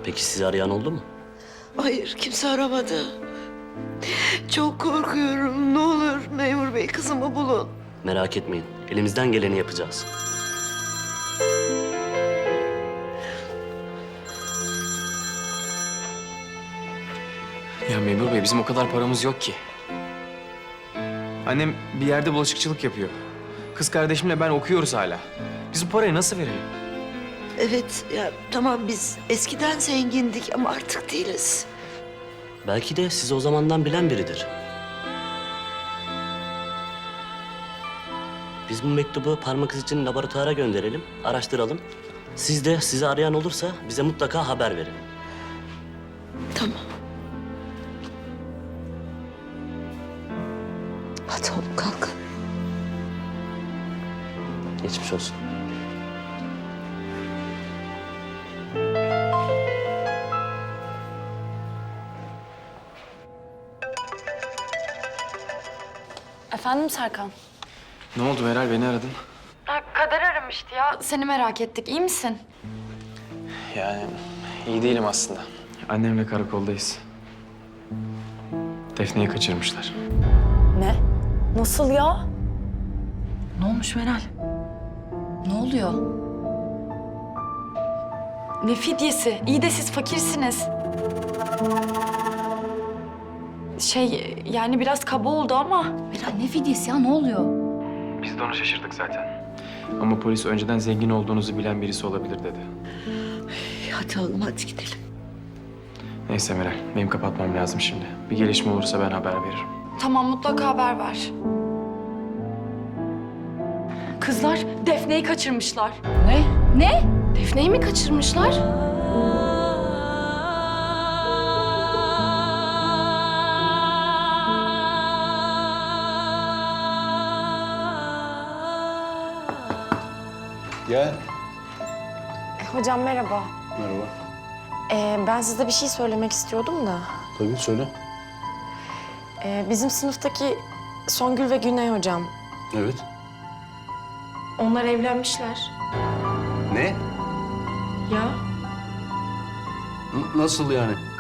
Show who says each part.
Speaker 1: Peki sizi arayan oldu mu?
Speaker 2: Hayır, kimse aramadı. Çok korkuyorum. Ne olur memur bey kızımı bulun.
Speaker 1: Merak etmeyin. Elimizden geleni yapacağız.
Speaker 3: Ya memur bey bizim o kadar paramız yok ki. Annem bir yerde bulaşıkçılık yapıyor. Kız kardeşimle ben okuyoruz hala. Biz bu parayı nasıl verelim?
Speaker 2: Evet, ya tamam biz eskiden zengindik ama artık değiliz.
Speaker 1: Belki de sizi o zamandan bilen biridir. Biz bu mektubu parmak izi için laboratuvara gönderelim, araştıralım. Siz de sizi arayan olursa bize mutlaka haber verin.
Speaker 2: Tamam. Hadi oğlum kalk.
Speaker 1: Geçmiş olsun.
Speaker 4: Efendim Serkan?
Speaker 3: Ne oldu Meral, beni aradın?
Speaker 4: Kader aramıştı ya. Seni merak ettik. İyi misin?
Speaker 3: Yani iyi değilim aslında. Annemle karakoldayız. Defne'yi kaçırmışlar.
Speaker 4: Ne? Nasıl ya? Ne olmuş Meral? Ne oluyor? Ne fidyesi? İyi de siz fakirsiniz. Yani biraz kaba oldu ama.
Speaker 5: Meral ne fidyesi ya? Ne oluyor?
Speaker 3: Biz de onu şaşırdık zaten. Ama polis önceden zengin olduğunuzu bilen birisi olabilir dedi.
Speaker 2: Hadi oğlum hadi gidelim.
Speaker 3: Neyse Meral, benim kapatmam lazım şimdi. Bir gelişme olursa ben haber veririm.
Speaker 4: Tamam, mutlaka haber ver. Kızlar Defne'yi kaçırmışlar.
Speaker 5: Ne? Ne? Defne'yi mi kaçırmışlar?
Speaker 6: Gel.
Speaker 7: Hocam merhaba.
Speaker 6: Merhaba.
Speaker 7: Ben size bir şey söylemek istiyordum da.
Speaker 6: Tabii söyle.
Speaker 7: Bizim sınıftaki Songül ve Güney hocam.
Speaker 6: Evet.
Speaker 7: Onlar evlenmişler.
Speaker 6: Ne?
Speaker 7: Ya
Speaker 6: Nasıl yani?